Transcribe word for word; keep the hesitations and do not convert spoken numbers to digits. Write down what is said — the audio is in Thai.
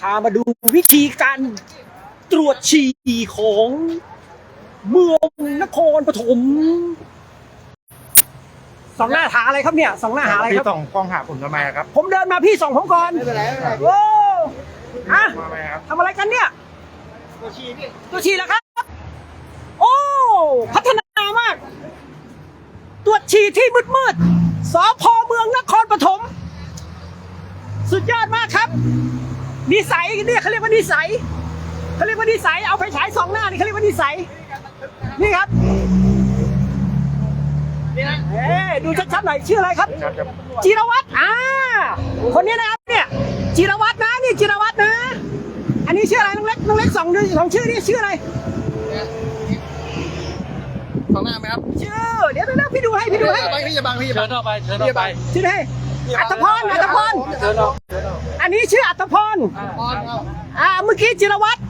ามาดูวิธีการตรวจฉี่ของเมืองนครปฐมสองหน้าหาอะไรครับเนี่ยสองหน้าหาอะไรคพี่รับส่องกล้องหาผมทำไมครับผมเดินมาพี่ส่องผมก่อนไม่เป็นไรไม่เป็นไรโอ้อะมาไหมครับทำอะไรกันเนี่ยตัวชีพี่ตัวฉี่แล้วครับ โอ้พัฒนามาก ตรวจฉี่ที่มืดมืดๆสพเมืองนครปฐมสุดยอดมากครับนิสัยเนี่ยเขาเรียกว่านิสัยเขาเรียกว่านิสัยเอาไปฉายสองหน้านี่เขาเรียกว่านิสัยนี่ครับนี่นะเอ๊ดูชัดๆหน่อยชื่ออะไรครับครับครับจิรวัตรอ่าคนนี้นะครับเนี่ยจิรวัตรนะนี่จิรวัตรนะ อันนี้ชื่ออะไรน้องเล็กน้องเล็กสองดูสองชื่อนี่ชื่ออะไรสองหน้าไหมครับชื่อเดี๋ยวเดี๋ยวพี่ดูให้พี่ดูให้บังพี่จะบังพี่จะเชิบัญงออกไปเชิญออกไปชื่อให้อัตพรอัตพรเชิญออกอันนี้ชื่ออัตพรออนเอาอ่าเมื่อกี้จิรวัตร